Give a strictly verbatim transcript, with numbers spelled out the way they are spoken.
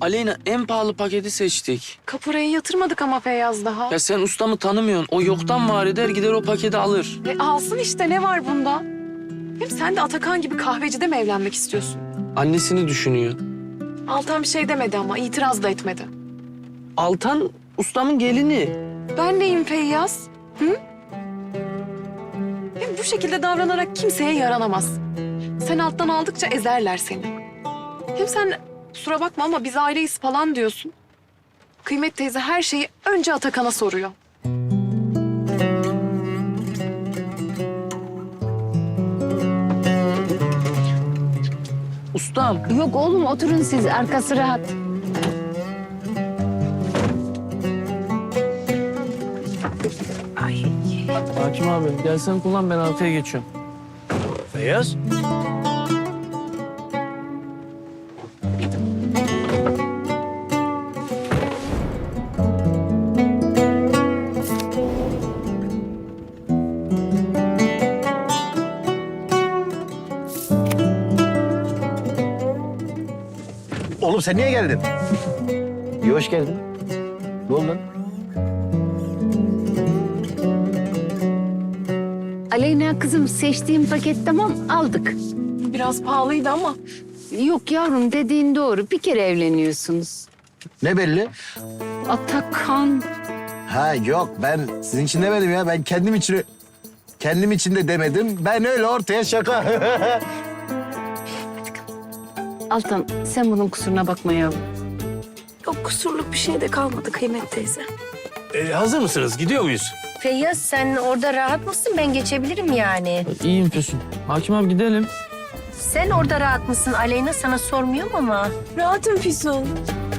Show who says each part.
Speaker 1: Aleyna en pahalı paketi seçtik.
Speaker 2: Kaporayı yatırmadık ama Feyyaz daha.
Speaker 1: Ya sen ustamı tanımıyorsun. O yoktan var eder gider o paketi alır.
Speaker 2: E alsın işte, ne var bunda? Hem sen de Atakan gibi kahvecide mi evlenmek istiyorsun?
Speaker 1: Annesini düşünüyor.
Speaker 2: Altan bir şey demedi ama itiraz da etmedi.
Speaker 1: Altan ustamın gelini.
Speaker 2: Ben neyim Feyyaz? Hı? Hem bu şekilde davranarak kimseye yaranamaz. Sen alttan aldıkça ezerler seni. Hem sen kusura bakma ama biz aileyiz falan diyorsun. Kıymet teyze her şeyi önce Atakan'a soruyor.
Speaker 1: Ustam.
Speaker 3: Yok oğlum, oturun siz, arkası rahat. Ay.
Speaker 1: Hakim abi gel sen kullan ben arkaya geçiyorum.
Speaker 4: Feyyaz. Oğlum sen niye geldin? İyi hoş geldin. Ne oldu lan?
Speaker 3: Aleyna kızım, seçtiğim paket tamam, aldık.
Speaker 2: Biraz pahalıydı ama
Speaker 3: Yok yavrum, dediğin doğru. Bir kere evleniyorsunuz.
Speaker 4: Ne belli?
Speaker 3: Atakan.
Speaker 4: Ha yok ben sizin için demedim ya. Ben kendim için kendim için de demedim. Ben öyle ortaya şaka.
Speaker 3: Altan, sen bunun kusuruna bakma yavrum.
Speaker 5: Yok, kusurluk bir şey de kalmadı Kıymet teyze.
Speaker 4: Ee, hazır mısınız? Gidiyor muyuz?
Speaker 5: Feyyaz, sen orada rahat mısın? Ben geçebilirim yani.
Speaker 1: İyiyim Füsun. Hakim abi gidelim.
Speaker 5: Sen orada rahat mısın? Aleyna sana sormuyorum ama.
Speaker 2: rahatım Füsun.